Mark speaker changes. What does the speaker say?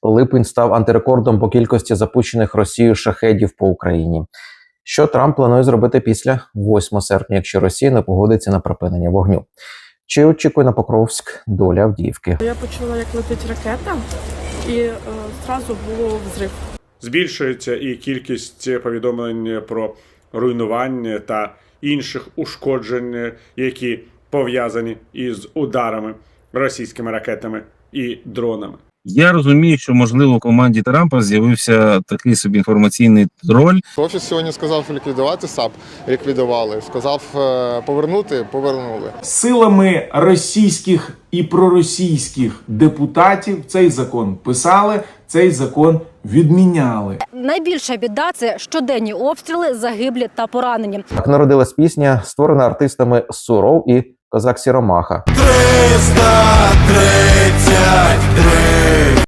Speaker 1: Липень став антирекордом по кількості запущених Росією шахедів по Україні. Що Трамп планує зробити після 8 серпня, якщо Росія не погодиться на припинення вогню? Чи очікує на Покровськ доля Авдіївки?
Speaker 2: Я почула, як летить ракета, і одразу було взрив.
Speaker 3: Збільшується і кількість повідомлень про руйнування та інших ушкоджень, які пов'язані із ударами російськими ракетами і дронами.
Speaker 4: Я розумію, що, можливо, у команді Трампа з'явився такий собі інформаційний троль.
Speaker 5: Офіс сьогодні сказав ліквідувати САП, ліквідували. Сказав повернути, повернули.
Speaker 6: Силами російських і проросійських депутатів цей закон писали, цей закон відміняли.
Speaker 7: Найбільша біда – це щоденні обстріли, загиблі та поранені.
Speaker 1: Так народилась пісня, створена артистами Суров і Козак Сіромаха.
Speaker 8: 333